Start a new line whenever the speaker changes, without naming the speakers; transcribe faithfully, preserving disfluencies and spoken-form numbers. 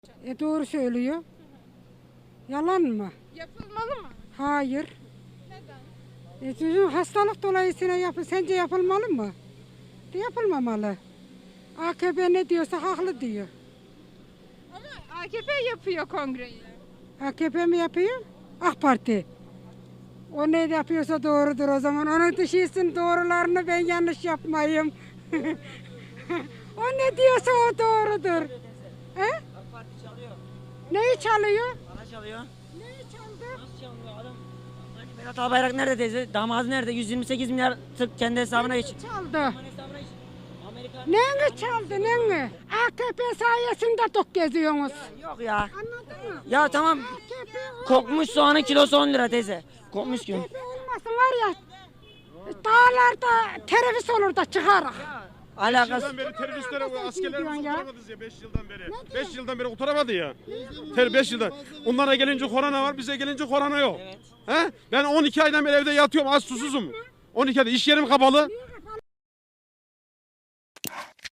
E doğru söylüyor. Yalan mı?
Yapılmalı mı?
Hayır.
Neden?
E çocuğun hastalık dolayısıyla yapı, sence yapılmalı mı? De yapılmamalı. A K P ne diyorsa haklı diyor.
Ama A K P yapıyor kongreyi.
A K P mi yapıyor? AK Parti. O ne yapıyorsa doğrudur o zaman. Onun dışısın doğrularını ben yanlış yapmayayım. O ne diyorsa o doğrudur. He?
AK Parti çalıyor.
Neyi çalıyor?
Para çalıyor.
Neyi çaldı?
Nasıl çalıyor adam? Hani Berat Albayrak nerede teyze? Damadı nerede? yüz yirmi sekiz milyar tık kendi hesabına geç.
Çaldı.
Aman hesabına geç. Amerika.
Neyini çaldı neyini? A K P sayesinde tok geziyorsunuz.
Yok ya.
Anladın mı?
Ya tamam.
A K P
Kokmuş soğanın kilosu on lira teyze. Kokmuş ki.
A K P olmasın var ya. Dağlarda terörist olur da çıkarız.
Alakası.
Yıldan beri teröristlere
Sen
askerlerimizi
kim diyorsun ya?
kurtaramadınız ya beş yıldan beri. beş yıldan beri kurtaramadı ya. Ter beş yıldan. Onlara gelince korona var, bize gelince korona yok.
Evet.
He? Ben on iki aydan beri evde yatıyorum, az susuzum. on iki ayda iş yerim kapalı.